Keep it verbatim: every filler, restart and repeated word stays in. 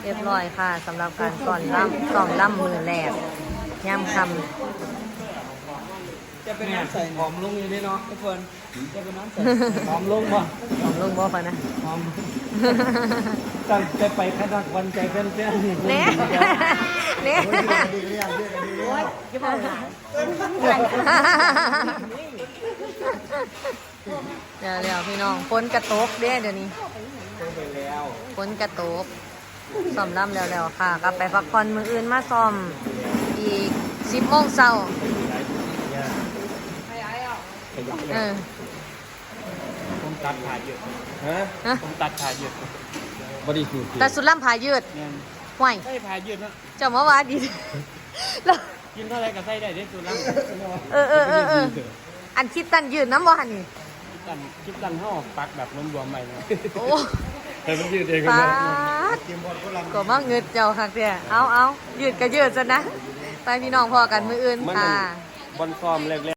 รียบร้อยค่ะสำหรับการก่อนล่ำซ้อมล่ำมือแรกย่ำคจะเป็นน้ำใส่หอมลงอยู่นี่เนาะทุกคนจะเป็นน้ำใส่หอมลงบ่ำของลุงบอกไปนะหอมตั้งใจไปขนาดวันใจเพื่อนเพื่อนเน่เน่เดี๋ยวเดี๋ยวพี่น้องฝนกระตกเด้เดี๋ยวนี้ไปแล้วฝนกระตกซ้อมล่ำแล้วๆค่ะกลับไปพักผ่อนมืออื่นมาซ้อมอีกสิบโมงเช้าเออผมตัดขาเยอะฮะฮะผมตัดขาเยอะบริสุทธิ์แต่สุดล่ำผายืดเนี่ยห่วยใส่ขาเยอะนะเจ้ามาว่าดี แล้วกินเท่าไรก็ใส่ได้ได้ตัวละเออเออเออเอออันคิดตันยืดน้ำบ่หันนี่ตันคิดตันห่อปักแบบรวมๆไปนะโอ้แต่มันยืดเองปาดก็มาเงิดเจ้าค่ะเตี้ยเอาเอายืดก็ยืดซะนะ ไปพี่น้องพอกันมืออื่นค่ะบอลฟอร์มแรก